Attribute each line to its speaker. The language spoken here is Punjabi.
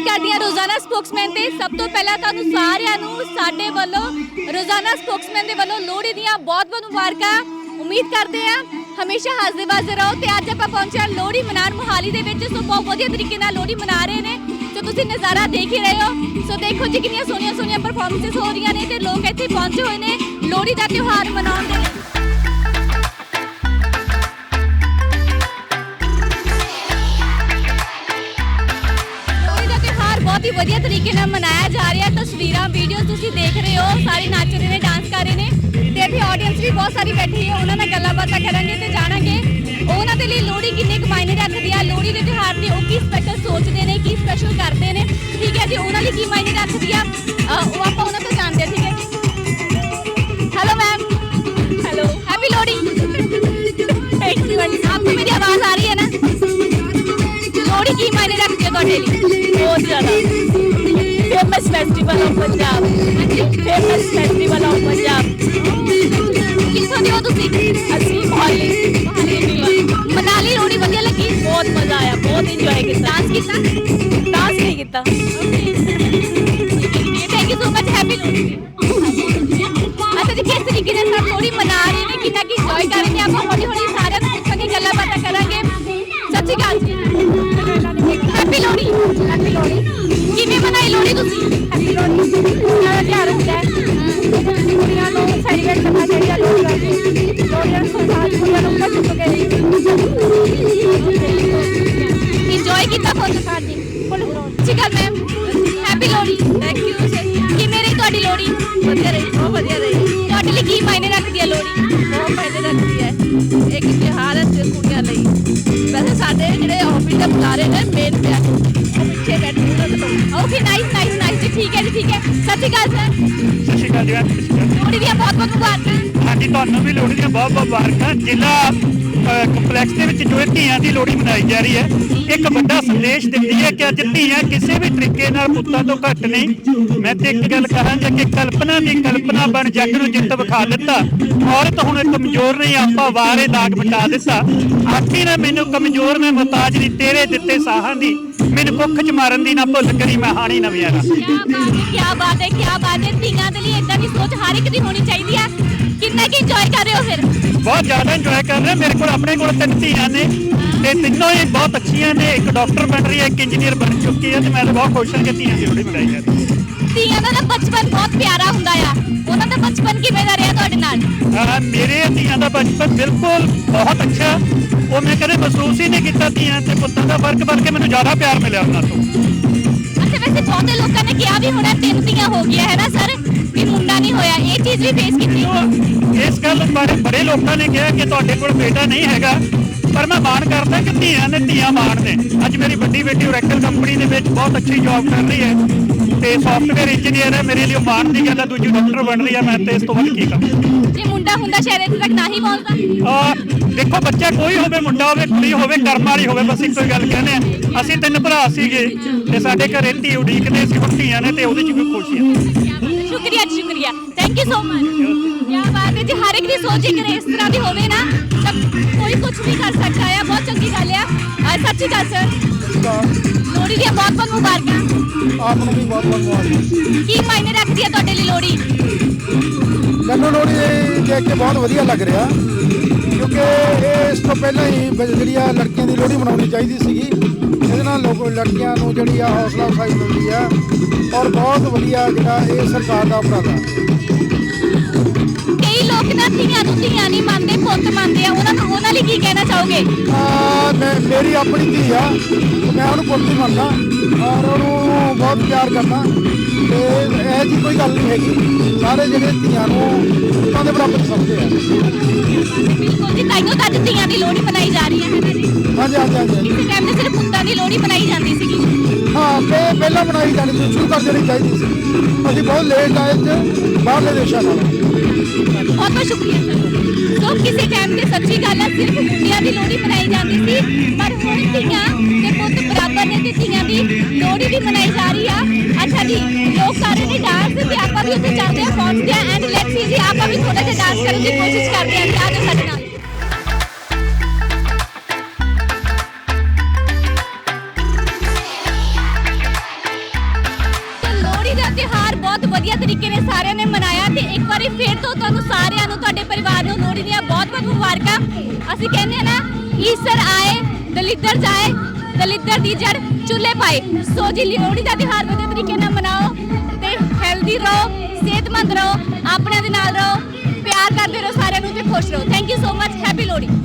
Speaker 1: बात करते हैं रोजाना स्पोक्समैन ते सब तो पहला तुहानू सारिਆਂ ਨੂੰ ਸਾਡੇ ਵੱਲੋਂ रोजाना स्पोक्समैन ਦੇ ਵੱਲੋਂ ਲੋਹੜੀ ਦੀਆਂ बहुत ਮੁਬਾਰਕਾਂ उम्मीद करते हैं हमेशा हसदे वसदे रहो। तो अज आप पहुंचे लोहड़ी मनान मोहाली दे विच। सो बहुत वधिया तरीके नाल लोहड़ी मना रहे हैं। तो तुसीं नज़ारा देख ही रहे हो। सो देखो जी कितनी सोहणियां सोहणियां परफॉर्मेंसेस हो रही ने ते लोग इत्थे पहुंचे हुए ने लोहड़ी का त्यौहार मनाउण दे लई। लोहड़ी का त्यौहार बहुत ही वधिया तरीके नाल मनाया जा रहा है। तस्वीरां वीडियो तुसीं देख रहे हो, सारे नच रहे ने, डांस कर रहे ने ਤੇ ਇੱਥੇ ਆਡੀਅנס ਵੀ ਬਹੁਤ ਸਾਰੀ ਬੈਠੀ ਹੈ। ਉਹਨਾਂ ਨਾਲ ਗੱਲਾਂ ਬਾਤਾਂ ਕਰਾਂਗੇ ਤੇ ਜਾਣਾਂਗੇ ਉਹਨਾਂ ਦੇ ਲਈ ਲੋਹੜੀ ਕਿੰਨੇ ਕੁ ਮਾਇਨੇ ਰੱਖਦੀ ਆ, ਲੋਹੜੀ ਦੇ ਤਿਉਹਾਰ ਤੇ ਉਹ ਕੀ ਸਪੈਸ਼ਲ ਸੋਚਦੇ ਨੇ, ਕੀ ਸਪੈਸ਼ਲ ਕਰਦੇ ਨੇ। ਠੀਕ ਹੈ ਜੀ, ਉਹਨਾਂ ਲਈ ਕੀ ਮਾਇਨੇ ਰੱਖਦੀ ਆ ਉਹ ਆਪਾਂ ਉਹਨਾਂ ਤੋਂ ਜਾਣਦੇ ਹਾਂ। ਠੀਕ ਹੈ ਜੀ, hello ma'am. Hello, happy Lohri. Thank you. आपको मेरी आवाज़ आ रही है ना? लोहड़ी की मायने रखती है ਤੁਹਾਡੇ ਲਈ? बहुत ज़्यादा। Famous festival of Punjab. Famous festival of Punjab. कित्थों ਦੇ ਹੋ ਤੁਸੀਂ? ਅਸੀਂ ਮੋਹਾਲੀ। ਮਨਾਲੀ ਲੋਹੜੀ ਵਧੀਆ ਲੱਗੀ? ਬਹੁਤ ਮਜ਼ਾ ਆਇਆ, ਬਹੁਤ ਇੰਜੋਏ ਕੀਤਾ। ਡਾਂਸ ਕੀਤਾ? ਡਾਂਸ ਨਹੀਂ ਕੀਤਾ। Thank you so much. Happy Lohri. अच्छा जी, किस तरीके से सब लोहड़ी मना रहे हैं, कितना की इंजॉय कर रहे हैं, आप हौली हौली सारे पुछांगे, गल्लां बातां करांगे। सत श्री अकाल जी। हैप्पी लोहड़ी। हैप्पी लोहड़ी। किवें मनाई लोहड़ी तुसीं? हैप्पी लोहड़ी कुड़ियां दा त्योहार हुंदा है, कुड़ियां नूं सैलीब्रेट करना चाहिदा। लोहड़ी लोहड़ी संसार कुड़ियां नूं घट चुके इंजॉय कीता फुल साथ जी। Full Sat Sri Akal ma'am. Happy Lohri. Thank you. किवें रही तुहाडी लोहड़ी? ਵਧੀਆ ਰਹੀ, ਬਹੁਤ ਵਧੀਆ ਰਹੀ। ਤੁਹਾਡੇ ਲਈ ਕੀ ਮਾਇਨੇ ਰੱਖਦੀ ਹੈ ਲੋਹੜੀ? ਬਹੁਤ ਮਾਇਨੇ ਰੱਖਦੀ ਹੈ। ਇੱਕ ਤਿਉਹਾਰ ਹੈ ਕੁੜੀਆਂ ਲਈ। ਵੈਸੇ ਸਾਡੇ ਜਿਹੜੇ ਆਫਿਸ ਦੇ ਬੁਲਾਰੇ ਨੇ ਮੇਨ ਉਹ ਪਿੱਛੇ ਬੈਠੇ ਨੇ। ਓਕੇ, ਨਾਈਸ ਨਾਈਸ ਨਾਈਸ ਜੀ। ਠੀਕ ਹੈ ਜੀ, ਠੀਕ ਹੈ। ਸਤਿ ਸ਼੍ਰੀ ਅਕਾਲ ਸਰ।
Speaker 2: ਸਤਿ ਸ਼੍ਰੀ ਅਕਾਲ ਜੀ।
Speaker 1: ਲੋਹੜੀ ਦੀਆਂ ਬਹੁਤ ਬਹੁਤ ਮੁਬਾਰਕਾਂ।
Speaker 2: ਹਾਂਜੀ, ਤੁਹਾਨੂੰ ਵੀ ਲੋਹੜੀ ਦੀਆਂ ਬਹੁਤ ਬਹੁਤ ਮੁਬਾਰਕਾਂ। ਜ਼ਿਲ੍ਹਾ ਕੰਪਲੈਕਸ ਦੇ ਵਿੱਚ ਜੋ ਧੀਆਂ ਦੀ ਲੋਹੜੀ ਮਨਾਈ ਜਾ ਰਹੀ ਹੈ, ਇੱਕ ਵੱਡਾ ਸੰਦੇਸ਼ ਦਿੰਦੀ ਹੈ ਕਿ ਅੱਜ ਧੀਆਂ ਕਿਸੇ ਵੀ ਤਰੀਕੇ ਨਾਲ ਪੁੱਤਾਂ ਤੋਂ ਘੱਟ ਨਹੀਂ। ਮੈਂ ਤੇ ਇੱਕ ਗੱਲ ਕਹਾਂਗਾ ਕਿ ਕਲਪਨਾ ਦੀ ਕਲਪਨਾ ਬਣ ਜੱਗ ਨੂੰ ਜਿੱਤ ਵਿਖਾ ਦਿੱਤਾ। ਔਰਤ ਹੁਣ ਕਮਜ਼ੋਰ ਨਹੀਂ, ਆਪਾਂ ਵਾਰੇ ਦਾਗ ਮਿਟਾ ਦਿੱਤਾ। ਆਖੀ ਨਾ ਮੈਨੂੰ ਕਮਜ਼ੋਰ ਮੈਂ ਮੁਹਤਾਜ ਨਹੀਂ, ਤੇਰੇ ਦਿੱਤੇ ਸਾਹਾਂ ਦੀ ਮੈਨੂੰ ਕੁੱਖ ਚ ਮਾਰਨ ਦੀ ਨਾ ਭੁੱਲ ਕਰੀ ਮੈਂ ਹਾਣੀ ਨਵੀਆਂ ਦਾ।
Speaker 1: क्या बात है, क्या बात है। ਧੀਆਂ ਦੇ ਲਈ ਇਦਾਂ ਦੀ ਸੋਚ ਹਰ ਇੱਕ ਦੀ ਹੋਣੀ ਚਾਹੀਦੀ ਹੈ। ਕਿੰਨਾ ਕੀ ਇੰਜੋਏ ਕਰ ਰਹੇ ਹੋ ਫਿਰ?
Speaker 2: ਬਹੁਤ ਜ਼ਿਆਦਾ ਇੰਜੋਏ ਕਰ ਰਹੇ। ਮੇਰੇ ਕੋਲ ਆਪਣੇ ਕੋਲ 3 ਧੀਆਂ ਨੇ ਤੇ ਤਿੰਨੋਂ ਹੀ ਬਹੁਤ ਅੱਛੀਆਂ ਨੇ। ਇੱਕ ਡਾਕਟਰ ਬਣ ਰਹੀ ਹੈ, ਇੱਕ ਇੰਜੀਨੀਅਰ ਬਣ ਚੁੱਕੀ ਹੈ ਤੇ ਮੈਂ ਤਾਂ ਬਹੁਤ ਖੁਸ਼ ਹਾਂ ਕਿ ਧੀਆਂ ਦੀ ਲੋਹੜੀ ਮਨਾਈ ਜਾਂਦੀ ਹੈ।
Speaker 1: ਧੀਆਂ ਦਾ ਬਚਪਨ ਬਹੁਤ ਪਿਆਰਾ ਹੁੰਦਾ ਆ। ਉਹਨਾਂ ਦਾ ਬਚਪਨ ਕਿਵੇਂ ਦਾ ਰਿਹਾ ਤੁਹਾਡੇ ਨਾਲ?
Speaker 2: ਮੇਰੇ ਧੀਆਂ ਦਾ ਬਚਪਨ ਬਿਲਕੁਲ ਬਹੁਤ ਅੱਛਾ। ਉਹ ਮੈਂ ਕਦੇ ਮਹਿਸੂਸ ਹੀ ਨਹੀਂ ਕੀਤਾ ਧੀਆਂ ਤੇ ਪੁੱਤਾਂ ਦਾ ਫਰਕ, ਬਲਕਿ ਮੈਨੂੰ ਜ਼ਿਆਦਾ ਪਿਆਰ ਮਿਲਿਆ ਉਹਨਾਂ ਤੋਂ।
Speaker 1: ਅੱਛਾ, ਵੈਸੇ ਬਹੁਤੇ ਲੋਕਾਂ ਨੇ ਕਿਹਾ ਵੀ ਹੁਣ 3 ਧੀਆਂ ਹੋ ਗਈਆਂ ਹੈ ਨਾ ਸਰ, ਵੀ ਮੁੰਡਾ ਨਹੀਂ ਹੋਇਆ। ਇਹ ਚੀਜ਼ ਵੀ ਫੇਸ ਕੀਤੀ?
Speaker 2: ਇਸ ਗੱਲ ਬਾਰੇ ਬੜੇ ਲੋਕਾਂ ਨੇ ਕਿਹਾ ਕਿ ਤੁਹਾਡੇ ਕੋਲ ਬੇਟਾ ਨਹੀਂ ਹੈਗਾ, ਪਰ ਮੈਂ ਮਾਣ ਕਰਦਾ ਕਿ ਧੀਆਂ ਨੇ ਧੀਆਂ ਮਾਣ ਨੇ। ਅੱਜ ਮੇਰੀ ਵੱਡੀ ਬੇਟੀ ਓਰੈਕਲ ਕੰਪਨੀ ਦੇ ਵਿੱਚ ਬਹੁਤ ਅੱਛੀ ਜੌਬ ਕਰ ਰਹੀ ਹੈ ਤੇ ਸੌਫਟਵੇਅਰ ਇੰਜੀਨੀਅਰ ਹੈ। ਮੇਰੇ ਲਈ ਮਾਣ ਦੀ ਗੱਲ ਹੈ। ਦੂਜੀ ਡਾਕਟਰ ਬਣ ਰਹੀ ਹੈ। ਮੈਂ ਤੇ ਇਸ ਤੋਂ ਵੱਧ ਕੀ ਕਰਾਂ।
Speaker 1: ਜੇ ਮੁੰਡਾ ਹੁੰਦਾ ਸ਼ਾਇਦ ਇੱਥੇ ਤੱਕ ਨਾ ਹੀ ਪਹੁੰਚਦਾ।
Speaker 2: ਦੇਖੋ, ਬੱਚਾ ਕੋਈ ਹੋਵੇ, ਮੁੰਡਾ ਹੋਵੇ, ਕੁੜੀ ਹੋਵੇ, ਕਰਮ ਵਾਲੀ ਹੋਵੇ, ਬਸ ਇੱਕੋ ਹੀ ਗੱਲ ਕਹਿੰਦੇ ਆ। ਅਸੀਂ 3 ਭਰਾ ਸੀਗੇ ਤੇ ਸਾਡੇ ਘਰੇ ਧੀ ਉਡੀਕਦੇ ਸੀ, ਹੁਣ ਧੀਆਂ ਨੇ ਤੇ ਉਹਦੇ 'ਚ ਵੀ ਖੁਸ਼ੀ ਹੈ।
Speaker 1: ਸ਼ੁਕਰੀਆ ਜੀ, ਸ਼ੁਕਰੀਆ। Thank you so much. ਕੀ ਬਾਤ ਹੈ ਜੀ। ਹਰ ਇੱਕ ਦੀ ਸੋਚ ਇੱਕ ਇਸ ਤਰ੍ਹਾਂ ਦੀ ਹੋਵੇ ਨਾ ਤਾਂ ਕੋਈ ਕੁਝ ਵੀ ਕਰ ਸਕਦਾ ਹੈ। ਬਹੁਤ ਚੰਗੀ ਗੱਲ ਆ। ਸਤਿ ਸ਼੍ਰੀ ਅਕਾਲ ਸਰ। ਲੋਹੜੀ ਦੀਆਂ ਬਹੁਤ ਬਹੁਤ ਮੁਬਾਰਕਾਂ।
Speaker 3: ਆਪ ਨੂੰ ਵੀ ਬਹੁਤ ਬਹੁਤ ਮੁਬਾਰਕਾਂ।
Speaker 1: ਕੀ ਮਾਇਨੇ ਰੱਖਦੀ ਹੈ ਤੁਹਾਡੇ ਲਈ ਲੋਹੜੀ?
Speaker 3: ਮੈਨੂੰ ਲੋਹੜੀ ਦੇਖ ਕੇ ਬਹੁਤ ਵਧੀਆ ਲੱਗ ਰਿਹਾ, ਕਿਉਂਕਿ ਇਸ ਤੋਂ ਪਹਿਲਾਂ ਹੀ ਜਿਹੜੀ ਆ ਲੜਕੀਆਂ ਦੀ ਲੋਹੜੀ ਮਨਾਉਣੀ ਚਾਹੀਦੀ ਸੀਗੀ। ਇਹਦੇ ਨਾਲ ਲੜਕੀਆਂ ਨੂੰ ਜਿਹੜੀ ਆ ਹੌਸਲਾ ਅਫਜ਼ਾਈ ਮਿਲਦੀ ਆ ਔਰ ਬਹੁਤ ਵਧੀਆ ਜਿਹੜਾ ਇਹ ਸਰਕਾਰ ਦਾ ਉਪਰਾਲਾ।
Speaker 1: ਕਈ ਲੋਕ ਨਾ ਧੀਆਂ ਨੂੰ ਧੀਆਂ ਨਹੀਂ ਮੰਨਦੇ, ਪੁੱਤ ਮੰਨਦੇ ਆ। ਉਹਨਾਂ ਲਈ ਕੀ ਕਹਿਣਾ ਚਾਹੋਗੇ?
Speaker 3: ਮੇਰੀ ਆਪਣੀ ਧੀ ਆ, ਮੈਂ ਉਹਨੂੰ ਪੁੱਤ ਹੀ ਮੰਨਦਾ ਔਰ ਉਹਨੂੰ ਬਹੁਤ ਪਿਆਰ ਕਰਦਾ ਤੇ ਇਹ ਜੀ ਕੋਈ ਗੱਲ ਨਹੀਂ ਹੈਗੀ। ਸਾਰੇ ਜਿਹੜੇ ਧੀਆਂ ਨੂੰ ਪੁੱਤਾਂ ਦੇ ਬਰਾਬਰ ਸਮਝਦੇ ਆ।
Speaker 1: ਬਿਲਕੁਲ ਜੀ, ਤਾਈਓ ਤਾਂ ਅੱਜ ਧੀਆਂ ਦੀ ਲੋਹੜੀ ਮਨਾਈ ਜਾ ਰਹੀ ਹੈ ਨਾ ਜੀ।
Speaker 3: ਹਾਂਜੀ ਹਾਂਜੀ ਹਾਂਜੀ।
Speaker 1: ਕਿਸੇ ਟਾਈਮ ਤੇ ਸਿਰਫ ਪੁੱਤਾਂ ਦੀ ਲੋਹੜੀ ਮਨਾਈ ਜਾਂਦੀ ਸੀਗੀ।
Speaker 3: ਹਾਂ, ਪਹਿਲਾਂ ਮਨਾਈ ਜਾਣੀ ਸੀ, ਸ਼ੁਰੂ ਕਰ ਦੇਣੀ ਚਾਹੀਦੀ ਸੀ। ਅਸੀਂ ਬਹੁਤ ਲੇਟ ਆਏ ਤੇ ਬਾਹਰਲੇ ਦੇਸ਼ਾਂ ਨਾਲ।
Speaker 1: ਬਹੁਤ ਬਹੁਤ ਸ਼ੁਕਰੀਆ ਸਰ। ਸੋ ਕਿਸੇ ਟਾਈਮ ਤੇ ਸੱਚੀ ਗੱਲ ਹੈ, ਸਿਰਫ ਮੁੰਡਿਆਂ ਦੀ ਲੋਹੜੀ ਮਨਾਈ ਜਾਂਦੀ ਸੀ, ਪਰ ਹੁਣ ਧੀਆਂ ਤੇ ਪੁੱਤ ਬਰਾਬਰ ਨੇ ਤੇ ਧੀਆਂ ਦੀ ਲੋਹੜੀ ਵੀ ਮਨਾਈ ਜਾ ਰਹੀ ਆ। ਅੱਛਾ ਜੀ, ਲੋਕ ਕਰ ਰਹੇ ਨੇ ਡਾਂਸ ਤੇ ਆਪਾਂ ਵੀ ਉੱਥੇ ਚੱਲਦੇ ਆ, ਪਹੁੰਚਦੇ ਆ ਐਂਡ ਲੈਟਸ ਸੀ ਜੀ ਆਪਾਂ ਵੀ ਥੋੜਾ ਜਿਹਾ ਡਾਂਸ ਕਰਨ ਦੀ ਕੋਸ਼ਿਸ਼ ਕਰਦੇ ਆ। ਆ ਜਾਓ ਸਾਡੇ ਨਾਲ। ਵਧੀਆ ਤਰੀਕੇ ਨਾਲ ਸਾਰਿਆਂ ਨੇ ਮਨਾਇਆ ਤੇ ਇੱਕ ਵਾਰੀ ਫਿਰ ਤੋਂ ਤੁਹਾਨੂੰ ਸਾਰਿਆਂ ਨੂੰ ਤੁਹਾਡੇ ਪਰਿਵਾਰ ਨੂੰ ਲੋਹੜੀ ਦੀਆਂ ਬਹੁਤ-ਬਹੁਤ ਮੁਬਾਰਕਾਂ। ਅਸੀਂ ਕਹਿੰਦੇ ਹਾਂ ਨਾ ਈਸਰ ਆਏ ਦਲਿੱਦਰ ਜਾਏ ਦਲਿੱਦਰ ਦੀ ਜੜ ਚੁੱਲ੍ਹੇ ਪਾਏ। ਸੋ ਜੀ ਲੋਹੜੀ ਦਾ ਤਿਉਹਾਰ ਵਧੀਆ ਤਰੀਕੇ ਨਾਲ ਮਨਾਓ ਤੇ ਹੈਲਦੀ ਰਹੋ, ਸਿਹਤਮੰਦ ਰਹੋ, ਆਪਣਿਆਂ ਦੇ ਨਾਲ ਰਹੋ, ਪਿਆਰ ਕਰਦੇ ਰਹੋ ਸਾਰਿਆਂ ਨੂੰ ਤੇ ਖੁਸ਼ ਰਹੋ। Thank you so much. Happy Lohri.